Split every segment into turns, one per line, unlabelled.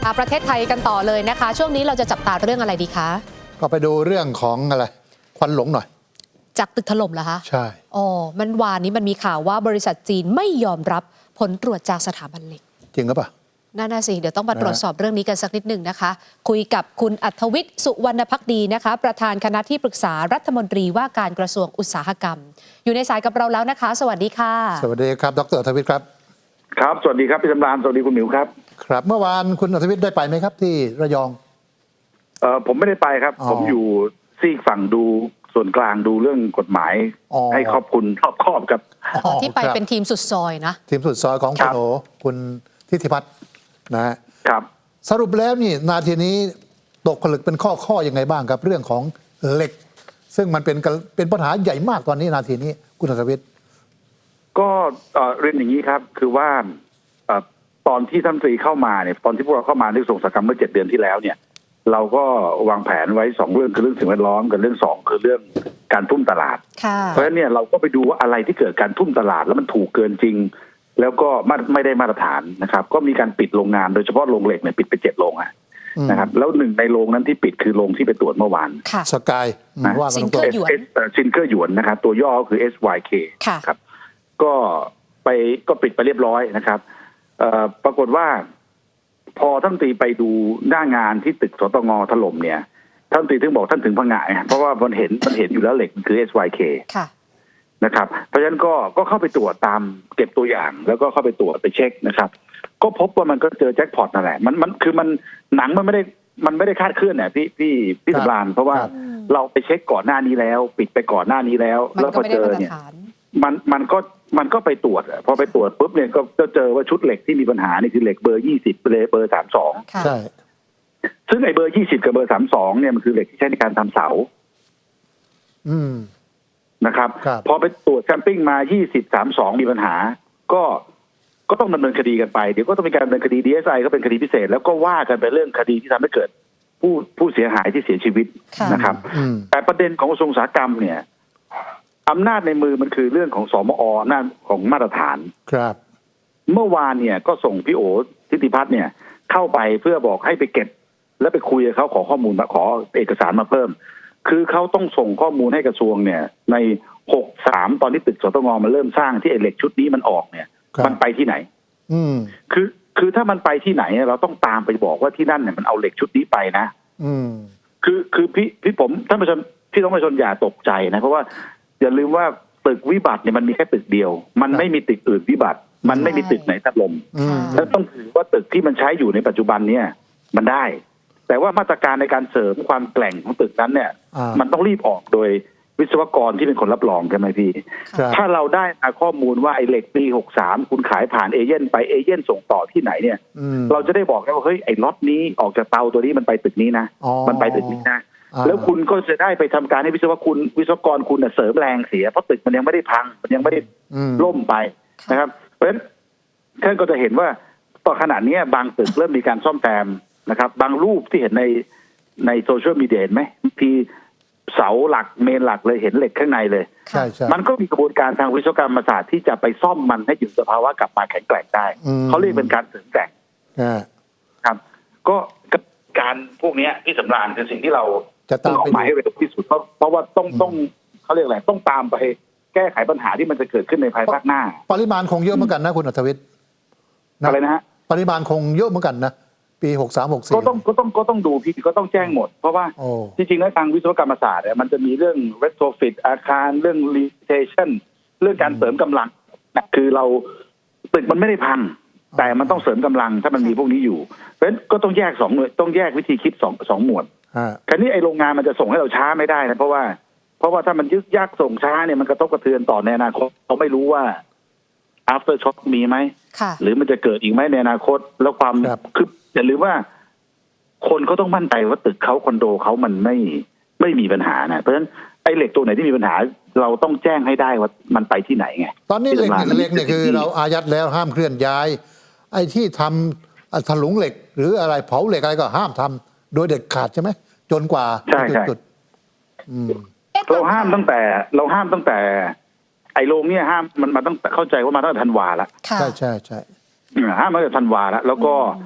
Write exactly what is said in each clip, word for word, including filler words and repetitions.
ประเทศไทยกันต่อเลยนะคะช่วงนี้เราจะจับตาเรื่องอะไรดีคะ
ก็ไปดูเรื่องของอะไรควันหลงหน่อย
จากตึกถล่มเหรอคะ
ใช่
อ๋อมันวานนี้มันมีข่าวว่าบริษัทจีนไม่ยอมรับผลตรวจจากสถาบันเหล็ก
จริงหรือเปล่า
น่าน่าสิเดี๋ยวต้องมาตรวจสอบเรื่องนี้กันสักนิดหนึ่งนะคะคุยกับคุณอัธวิทย์สุวรรณภักดีนะคะประธานคณะที่ปรึกษารัฐมนตรีว่าการกระทรวงอุตสาหกรรมอยู่ในสายกับเราแล้วนะคะสวัสดีค่ะ
สวัสดีครับดรอัธวิทย์ครับ
ครับสวัสดีครับพี่สำราญสวัสดีคุณหมิวครับ
ครับเมื่อวานคุณอัธวิทย์ได้ไปไหมครับที่ระยอง
เออผมไม่ได้ไปครับผมอยู่ซีกฝั่งดูส่วนกลางดูเรื่องกฎหมายให้ครอบคลุมรอบครอบครับ
ที่ไปเป็นทีมสุดซอยนะ
ทีมสุดซอยของคุณโอคุณทิติพัฒน์นะครับสรุปแล้วนี่นาทีนี้ตกผลึกเป็นข้อข้อยังไงบ้างครับเรื่องของเหล็กซึ่งมันเป็นเป็นปัญหาใหญ่มากตอนนี้นาทีนี้คุณอัธวิทย์
ก็เรียนอย่างนี้ครับคือว่าตอนที่ท่านตรีเข้ามาเนี่ยตอนที่พวกเราเข้ามาในส่งสกรรมเมื่อเจ็ดเดือนที่แล้วเนี่ยเราก็วางแผนไว้สองเรื่องคือเรื่องสิ่งแวดล้อมกับเรื่องสองคือเรื่องการทุ่มตลาดเพราะฉะนั้นเนี่ยเราก็ไปดูว่าอะไรที่เกิดการทุ่มตลาดแล้วมันถูกเกินจริงแล้วก็ไม่ได้มาตรฐานนะครับก็มีการปิดโรงงานโดยเฉพาะโรงเหล็กเนี่ยปิดไปเจ็ดโรงอ่ะนะครับแล้วหนึ่งในโรงนั้นที่ปิดคือโรงที่ไปตรวจเมื่อวาน
สกาย
ว่าซินเกอร์หยวน
ซินเกอร์หยวนนะครับตัวย่อคือ เอส วาย เค ครับก็ไปก็ปิดไปเรียบร้อยนะครับปรากฏว่าพอท่านตรีไปดูหน้างานที่ตึกสตงถล่มเนี่ยท่านตรีถึงบอกท่านถึงพังงะเพราะว่ามันเห็นมันเห็นอยู่แล้วเหล็กมันคือ เอส วาย เค นะครับเพราะฉะนั้นก็ก็เข้าไปตรวจตามเก็บตัวอย่างแล้วก็เข้าไปตรวจไปเช็คนะครับก็พบว่ามันก็เจอแจ็คพอตนั่นแหละมันมันคือมันหนังมันไม่ได้มันไม่ได้คาดเคลื่อนเนี่ยพี่พี่พี่สำราญเพราะว่าเราไปเช็คก่อนหน้านี้แล้วปิดไปก่อนหน้านี้แล้วแล้วพอเจอเนี่ยมันมันก็มันก็ไปตรวจพอไปตรวจปุ๊บเนี่ยก็จะเจอว่าชุดเหล็กที่มีปัญหานี่คือเหล็กเบอร์ยี่สิบเบอร์สามสอง
ใช่
ซึ่งไอ้เบอร์ยี่สิบกับเบอร์สามสองเนี่ยมันคือเหล็กที่ใช้ในการทำเสา
อืม
นะครับพอไปตรวจแซมปิ้งมายี่สิบ สามสองมีปัญหาก็ก็ต้องดำเนินคดีกันไปเดี๋ยวก็ต้องมีการดำเนินคดี ดี เอส ไอ ก็เป็นคดีพิเศษแล้วก็ว่ากันไปเรื่องคดีที่ทำให้เกิดผู้ผู้เสียหายที่เสียชีวิตนะครับแต่ประเด็นของกระทรวงอุตสาหกรรมเนี่ยอำนาจในมือมันคือเรื่องของสมออำนาจของมาตรฐาน
ครับ
เมื่อวานเนี่ยก็ส่งพี่โอทิติพัฒน์เนี่ยเข้าไปเพื่อบอกให้ไปเก็บแล้วไปคุยกับเขาขอข้อมูลมาขอเอกสารมาเพิ่มคือเขาต้องส่งข้อมูลให้กระทรวงเนี่ยในหกสามตอนที่ตึกสตงมันเริ่มสร้างที่เหล็กชุดนี้มันออกเนี่ยมันไปที่ไหน
อืม
คือคือถ้ามันไปที่ไหนเราต้องตามไปบอกว่าที่นั่นเนี่ยมันเอาเหล็กชุดนี้ไปนะ
อืม
คือคือพี่พี่ผมท่านผู้ชมพี่ต้องผู้ชมอย่าตกใจนะเพราะว่าอย่าลืมว่าตึกวิบัติเนี่ยมันมีแค่ตึกเดียวมันไม่มีตึกอื่นวิบัติมันไม่มีตึกไหนถล่มแล้วต้องถือว่าตึกที่มันใช้อยู่ในปัจจุบันเนี่ยมันได้แต่ว่ามาตรการในการเสริมความแกร่งของตึกนั้นเนี่ยมันต้องรีบออกโดยวิศวกรที่เป็นคนรับรองใช่ไหมพี่ถ้าเราได้ข้อมูลว่าไอ้เหล็กปีหกสามคุณขายผ่านเอเย่นไปเอเย่นส่งต่อที่ไหนเนี่ยเราจะได้บอกได้ว่าเฮ้ยไอ้ล็อตนี้ออกจากเตาตัวนี้มันไปตึกนี้นะมันไปตึกนี้นะแล้วคุณก็จะได้ไปทำการให้วิศวคุณวิศวกรคุณเสริมแรงเสียเพราะตึกมันยังไม่ได้พังมันยังไม่ได้ล่มไปนะครับเพราะฉะนั้นท่านก็จะเห็นว่าต่อขนาดนี้บางตึกเริ่มมีการซ่อมแซมนะครับบางรูปที่เห็นในในโซเชียลมีเดียเห็นไหมที่เสาหลักเมนหลักเลยเห็นเหล็กข้างในเลย
ใช่ใช่
มันก็มีกระบวนการทางวิศวกรรมศาสตร์ที่จะไปซ่อมมันให้อยู่สภาวะกลับมาแข็งแกร่งได้เขาเรียกเป็นการเสริมแกร่งครับก็การพวกนี้ที่สำราญคือสิ่งที่เรา
จะต้อง
ออกหมายให้เร็วที่สุดเพราะเพราะว่าต้องต้องเขาเรียกอะไรต้องตามไปแก้ไขปัญหาที่มันจะเกิดขึ้นในภายภาคหน้า
ปริมาณคงเยอะเหมือนกันนะคุณอัธวิทย์
อะไรนะฮะ
ปริมาณคงเยอะเหมือนกันนะปีหกสาม หกสี่
ก็ต้องก็ต้องก็ต้องดูพี่ก็ต้องแจ้งหมดเพราะว่าจริงๆแล้วทางวิศวกรรมศาสตร์เนี่ยมันจะมีเรื่อง retrofit อาคารเรื่อง limitation เรื่องการเสริมกำลังคือเราตึกมันไม่ได้พังแต่มันต้องเสริมกำลังถ้ามันมีพวกนี้อยู่เพราะฉะนั้นก็ต้องแยกสองต้องแยกวิธีคิดสองสองหมวดคราวนี้ไอ้โรงงานมันจะส่งให้เราช้าไม่ได้นะเพราะว่าเพราะว่าถ้ามันยึดยักส่งช้าเนี่ยมันกระทบกระเทือนต่อในอนาคตเราไม่รู้ว่า after shock มีไหมหรือมันจะเกิดอีกไหมในอนาคตแล้วความคืออย่าลืมว่าคนเขาต้องมั่นใจว่าตึกเขาคอนโดเขามันไม่ไม่มีปัญหานะเพราะฉะนั้นไอ้เหล็กตัวไหนที่มีปัญหาเราต้องแจ้งให้ได้ว่ามันไปที่ไหนไง
ตอนนี้เหล็กเหล็กเนี่ยคือเราอายัดแล้วห้ามเคลื่อนย้ายไอ้ที่ทำถลุงเหล็กหรืออะไรเผาเหล็กอะไรก็ห้ามทำโดยเด็ดขาดใช่ไหมจนกว่าจุด
เราห้ามตั้งแต่เราห้ามตั้งแต่ไอ้โรงเนี่ยห้ามมันมาต้องเข้าใจว่ามาตั้งแต่ธันวาแล้ว
ใช่ใช่ใช่
ห้ามมาตั้งแต่ธันวาแล้วแล้วก็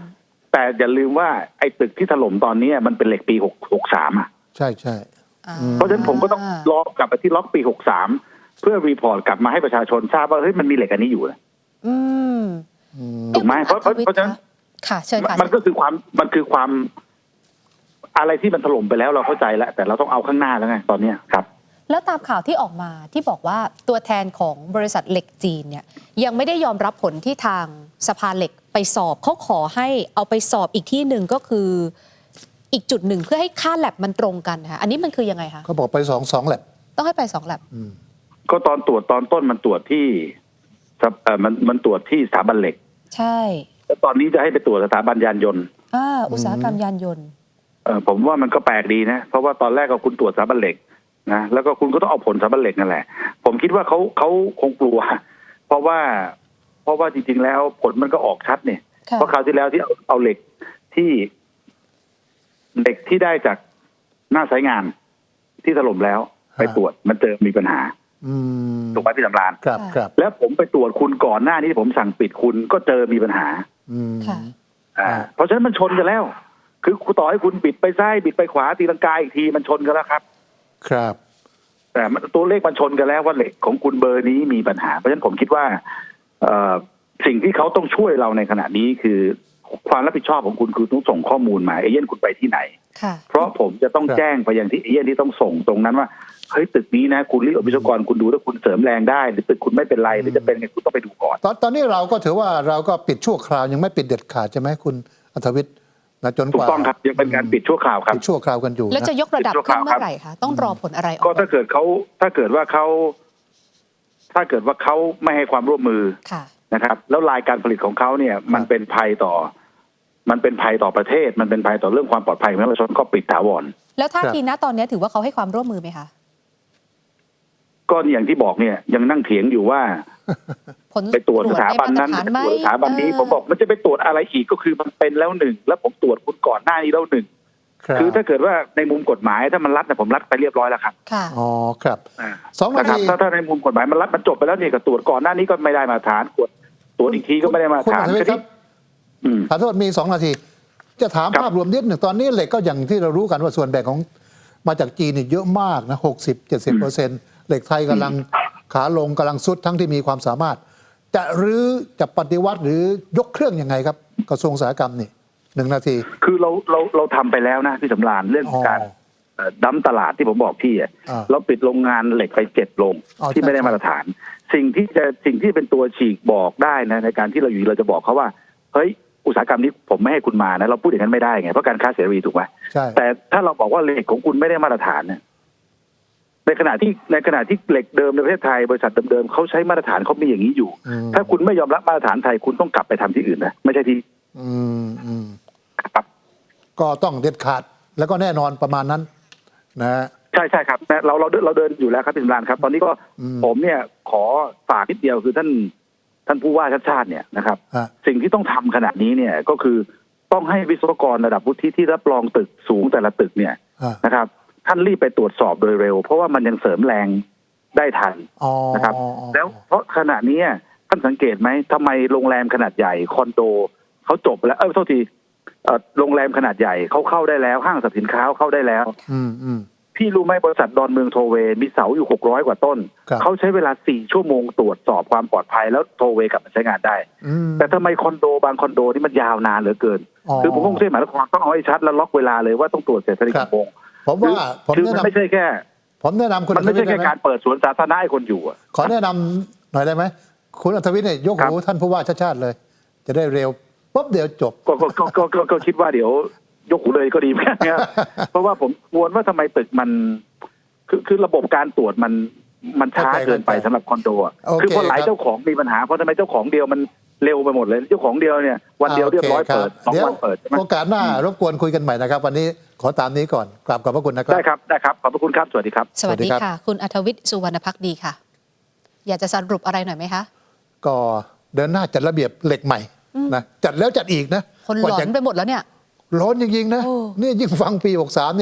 แต่อย่าลืมว่าไอ้ตึกที่ถล่มตอนนี้มันเป็นเหล็กปีหก หกสามอ่ะ
ใช่ใช่
อ่า
เพราะฉะนั้นผมก็ต้องล็อกกลับไปที่ล็อกปีหกสามเพื่อรีพอร์ตกลับมาให้ประชาชนทราบว่าเฮ้ยมันมีเหล็กอันนี้อยู่นะ
อืม
ถูกไหมเพราะเพราะ
คุณ
เพราะฉะนั้น
ค่ะเชิญค่ะ
มันก็คือความมันคือความอะไรที่มันถล่มไปแล้วเราเข้าใจแล้วแต่เราต้องเอาข้างหน้าแล้วไงตอนเนี้ยครับ
แล้วตามข่าวที่ออกมาที่บอกว่าตัวแทนของบริษัทเหล็กจีนเนี่ยยังไม่ได้ยอมรับผลที่ทางสภาเหล็กไปสอบเขาขอให้เอาไปสอบอีกที่หนึ่งก็คืออีกจุดหนึ่งเพื่อให้ค่าแลบมันตรงกันนะคะอันนี้มันคือยังไงคะ
เขาบอกไปสองสองแลบ
ต้องให้ไปสองแลบ
ก็ตอนตรวจตอนต้นมันตรวจที่เอ่อมันมันตรวจที่สถาบันเหล็ก
ใช่
แล้วตอนนี้จะให้ไปตรวจสถาบันยานยนต์
อ่าอุตสาหกรรมยานยนต์
เออผมว่ามันก็แปลกดีนะเพราะว่าตอนแรกก็คุณตรวจสถาบันเหล็กนะแล้วก็คุณก็ต้องเอาผลสถาบันเหล็กนั่นแหละผมคิดว่าเขาเขาคงกลัว เพราะว่าเพราะว่าจริงๆแล้วผลมันก็ออกชัดเนี่ย
ค่ะ
เพราะคราวที่แล้วที่เอาเอาเหล็กที่เหล็กที่ได้จากหน้าสายงานที่ถล่มแล้วไปตรวจมันเจอมีปัญหา
อืม
ถูกไหมพี่สำราญ
ครับครับ
แล้วผมไปตรวจคุณก่อนหน้านี้ผมสั่งปิดคุณก็เจอมีปัญหา
อืม
ค่ะ
อ่าเพราะฉะนั้นมันชนกันแล้ว คือคุณต่อให้คุณบิดไปซ้ายบิดไปขวาตีลังกาอีกทีมันชนกันแล้วครับ
ครับ
แต่มันตัวเลขมันชนกันแล้วว่าเหล็กของคุณเบอร์นี้มีปัญหาเพราะฉะนั้นผมคิดว่าเอ่อสิ่งที่เขาต้องช่วยเราในขณะนี้คือความรับผิดชอบของคุณคือต้องส่งข้อมูลมาเอเย่นคุณไปที่ไหน
ค่ะ
เพราะผมจะต้อง
ครับ
แจ้งไปยังที่เอเย่นที่ต้องส่งตรงนั้นว่าเฮ้ยตึกนี้นะคุณรีบวิศวกรคุณดูถ้าคุณเสริมแรงได้หรือตึกคุณไม่เป็นไรหรือจะเป็นไงคุณต้องไปดูก่อน
ตอนตอนนี้เราก็ถือว่าเราก็ปิดชั่วคราวยังไม่ปิดเด็ดขาดใช่ไหมคุณอัธวิทย์นะจน
ถู
ก
ก
ว่า
ต้องครับยังเป็นการปิดชั่วคราวครับ
ปิดชั่วคราวกันอยู่
แล้ว
นะ
จะยกระดับขึ้นเมื่อไหร่คะต้องรอผลอะไรออก
ก็ถ้าเกิดเขาถ้าเกิดว่าเขาถ้าเกิดว่าเขาไม่ให้ความร่วมมือ
ค่ะ
นะครับ แล้วรายการผลิตของเขาเนี่ย มันเป็นภัยต่อ มันเป็นภัยต่อประเทศ มันเป็นภัยต่อเรื่องความปลอดภัยของประชาชนก็ปิดถาวร
แล้วท่าทีณตอนนี้ถือว่าเขาให้ความร่วมมือไหมคะ
ก็อย่างที่บอกเนี่ยยังนั่งเถียงอยู่ว่า
ผล
ไปตรวจสถาบันนั้น
ได้
ไป
มาตรฐานไหม
ตรวจสถาบันนี้
เออ
ผมบอกมันจะไปตรวจอะไรอีกก็คือมันเป็นแล้วหนึ่งแล้วผมตรวจคุณก่อนหน้านี้แล้วหนึ่ง
ครับ
คือถ้าเกิดว่าในมุมกฎหมายถ้ามันรัดเนี่ยผมรัดไปเรียบร้อยแล้วครับ
ค่ะ
อ๋อครับ
อ่า
สองนา
นะครับ
ที
ถ้าถ้าในมุมกฎหมายมันรัดมันจบไปแล้วเนี่ยก็ตรวจก่อนหน้านี้ก็ไม่ได้มาตรฐานตรวจตรวจอีกทีก็ไม่ได้มาตร
คุณ
ฐา
อั
น
ธวิทย์ครับ
อืม
ขอโทษมีสองนาที จะถาม
ครับ
ภาพรวมนิดหนึ่งตอนนี้เหล็กก็อย่างที่เรารู้กันว่าส่วนแบ่งของมาจากจีนนี่เยอะมากนะหกสิบเจ็ดสิบเปอร์เซ็นต์เหล็กไทยกำลังขาลงกำลังซุดทั้งที่มีความสามารถ จะรื้อจะปฏิวัติหรือยกเครื่องยังไงครับกระทรวงอุตสาหกรรมนี่หนึ่งนาที
คือเราเราเราทำไปแล้วนะพี่สำราญเรื่องของการ
อ๋อ
เอ่อดั้มตลาดที่ผมบอกพี่อะ
อ่า
เราปิดโรงงานเหล็กไปเจ็ดโรง
อ๋อ
ที่ไม่ได้
ใช่
มาตรฐาน สิ่งที่จะสิ่งที่เป็นตัวฉีกบอกได้นะในการที่เราอยู่เราจะบอกเขาว่าเฮ้ยอุตสาหกรรมนี้ผมไม่ให้คุณมานะเราพูดอย่างนั้นไม่ได้ไงเพราะการค้าเสรีถูกไหม
ใช่
แต่ถ้าเราบอกว่าเหล็กของคุณไม่ได้มาตรฐานเนี่ยในขณะที่ในขณะที่เหล็กเดิมในประเทศไทยบริษัทเดิมๆเขาใช้มาตรฐานเขามีอย่างนี้อยู่
อืม
ถ้าคุณไม่ยอมรับมาตรฐานไทยคุณต้องกลับไปทำที่อื่นนะไม่ใช่ที่
อืมอืม
ครับ
ก็ต้องเด็ดขาดแล้วก็แน่นอนประมาณนั้นนะฮะ
ใช่ใช่ครับนะเราเราเราเดินอยู่แล้วครับพี่สำราญครับ ตอนนี้ก็
อืม
ผมเนี่ยขอฝากนิดเดียวคือท่านท่านผู้ว่าชาติชาติเนี่ยนะครับ
ฮะ
สิ่งที่ต้องทำขนาดนี้เนี่ยก็คือต้องให้วิศวกรระดับวุฒิที่รับรองตึกสูงแต่ละตึกเนี่ย
ฮะ
นะครับ ท่านรีบไปตรวจสอบโดยเร็ว เพราะว่ามันยังเสริมแรงได้ทัน
อ๋อ
นะครับ แล้วเพราะขณะนี้ท่านสังเกตไหมทำไมโรงแรมขนาดใหญ่คอนโดเขาจบแล้วเออโทษทีเอ่อโรงแรมขนาดใหญ่เขาเข้าได้แล้วห้างสรรพสินค้าเข้าได้แล้ว
อืมอืม
พี่รู้ไหมบริษัทดอนเมืองโทเวย์มีเสาอยู่หกร้อยกว่าต้น
ครับ
เขาใช้เวลาสี่ชั่วโมงตรวจสอบความปลอดภัยแล้วโทเวย์กลับมาใช้งานได้
อืม
แต่ทำไมคอนโดบางคอนโดนี่มันยาวนานเหลือเกิน
อ๋อ
คือผมกรุงเทพมหานครต้องเอาให้ชัดแล้วล็อกเวลาเลยว่าต้องตรวจเสร็จภายใน
ครับ
กี่โมง
ผมว่าผม
คือ
แนะ
มัน
นำ
ไม่ใช่แค่
ผมแนะนำคุณ
มันไม่ใช่
อัธวิทย์
แค่
ด้ห
การเปิดสวนสาธารณะให้คนอยู่อะ
ขอแนะนำหน่อยได้ไหมคุณอัธวิทย์เนี่ยยก
ครับ
หูท่านผู้ว่าชาติชาติเลย จะได้เร็วปุ๊บเดี๋ยวจบ
ก็ก็ก็ก็ก็ก็คิดว่าเดี๋ยวยกหูเลยก็ดีเหมือนกัน นะครับ เพราะว่าผมกวนว่าทำไมตึกมัน คือคือระบบการตรวจมันมันช้า
เข้าใจ
เกินไป
เข้าใจ
สำหรับคอนโดอะ
โอเค
คือพอหลาย
ครับ
เจ้าของมีปัญหาเพราะทำไมเจ้าของเดียวมันเร็วไปหมดเลยเจ้าของเดียวเนี่ยวันเดียวเรียบร้อย
โคค
เปิดสอง
เดี๋ยว
วันเปิดใช่ไหม
โอกาสหน้ารบกวนคุยกันใหม่นะครับ วันนี้ขอตามนี้ก่อนกราบขอบพระคุณนะครับ
ได้ครับได้ครับขอบพระคุณครับสวัสดีครับ
สวัสดี
สวัสดีครับ
ค่ะ คุณอัธวิทย์สุวรรณพักดีค่ะ อยากจะสรุปอะไรหน่อยไหมคะ
ก็เดินหน้าจัดระเบียบเหล็กใหม่นะจัดแล้วจัดอีกนะ
คนหล
กว่า
อ
จะ
นไปหมดแล้วเนี่ย
ร้อนจริงๆนะ
โอ้
นี่ยิ่งฟังปีหกสามนี่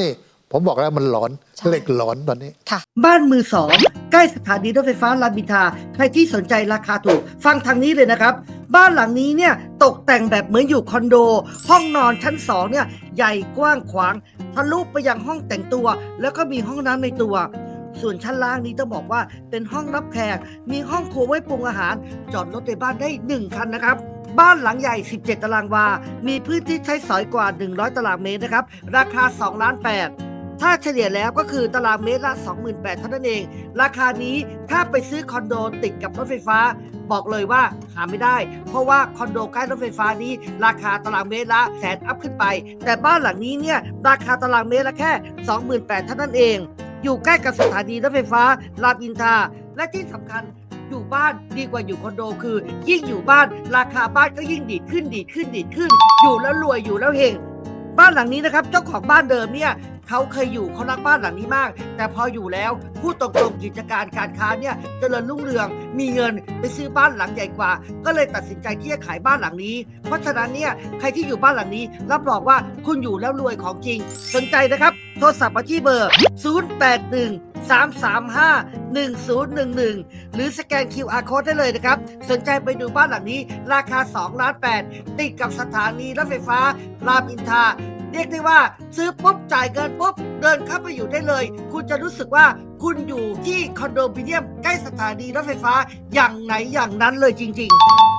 ผมบอกแล้วมันหลอน
ใช่
เหล็กหลอนตอนนี้
ค่ะ
บ้านมือสองใกล้สถานีรถไฟฟ้ารามอินทราใครที่สนใจราคาถูกฟังทางนี้เลยนะครับ บ้านหลังนี้เนี่ยตกแต่งแบบเหมือนอยู่คอนโด ห้องนอนชั้นสองเนี่ยใหญ่กว้างขวางทะลุไปยังห้องแต่งตัว แล้วก็มีห้องน้ำในตัว ส่วนชั้นล่างนี้ต้องบอกว่าเป็นห้องรับแขกมีห้องครัวไว้ปรุงอาหาร จอดรถในบ้านได้หนึ่งคันนะครับ บ้านหลังใหญ่สิบเจ็ดตารางวา มีพื้นที่ใช้สอยกว่าหนึ่งร้อยตารางเมตรนะครับราคาสองล้านแปด ถ้าเฉลี่ยแล้วก็คือตารางเมตรละ สองหมื่นแปดพัน เท่านั้นเอง ราคานี้ถ้าไปซื้อคอนโดติดกับรถไฟฟ้า บอกเลยว่าหาไม่ได้ เพราะว่าคอนโดใกล้รถไฟฟ้านี้ราคาตารางเมตรละแสนอัพขึ้นไป แต่บ้านหลังนี้เนี่ยราคาตารางเมตรละแค่ สองหมื่นแปดพัน เท่านั้นเอง อยู่ใกล้กับสถานีรถไฟฟ้ารามอินทราและที่สำคัญอยู่บ้านดีกว่าอยู่คอนโดคือ ยิ่งอยู่บ้านราคาบ้านก็ยิ่งดีดขึ้นดีดขึ้นดีดขึ้น อยู่แล้วรวยอยู่แล้วเฮง บ้านหลังนี้นะครับเจ้าของบ้านเดิมเนี่ยเขาเคยอยู่เขารักบ้านหลังนี้มาก แต่พออยู่แล้วพูดตรงๆกิจการการค้าเนี่ยเจริญรุ่งเรืองมีเงินไปซื้อบ้านหลังใหญ่กว่า ก็เลยตัดสินใจที่จะขายบ้านหลังนี้ เพราะฉะนั้นเนี่ยใครที่อยู่บ้านหลังนี้รับรองว่าคุณอยู่แล้วรวยของจริงสนใจนะครับโทรศัพท์มาที่เบอร์ ศูนย์ แปด หนึ่ง สาม สาม ห้า หนึ่ง ศูนย์ หนึ่ง หนึ่ง หรือสแกน คิว อาร์ Code ได้เลยนะครับสนใจไปดูบ้านหลังนี้ราคาสองล้านแปดติดกับสถานีรถไฟฟ้ารามอินทราเรียกได้ว่าซื้อปุ๊บจ่ายเงินปุ๊บเดินเข้าไปอยู่ได้เลยคุณจะรู้สึกว่าคุณอยู่ที่คอนโดมิเนียมใกล้สถานีรถไฟฟ้าอย่างไหนอย่างนั้นเลยจริงๆ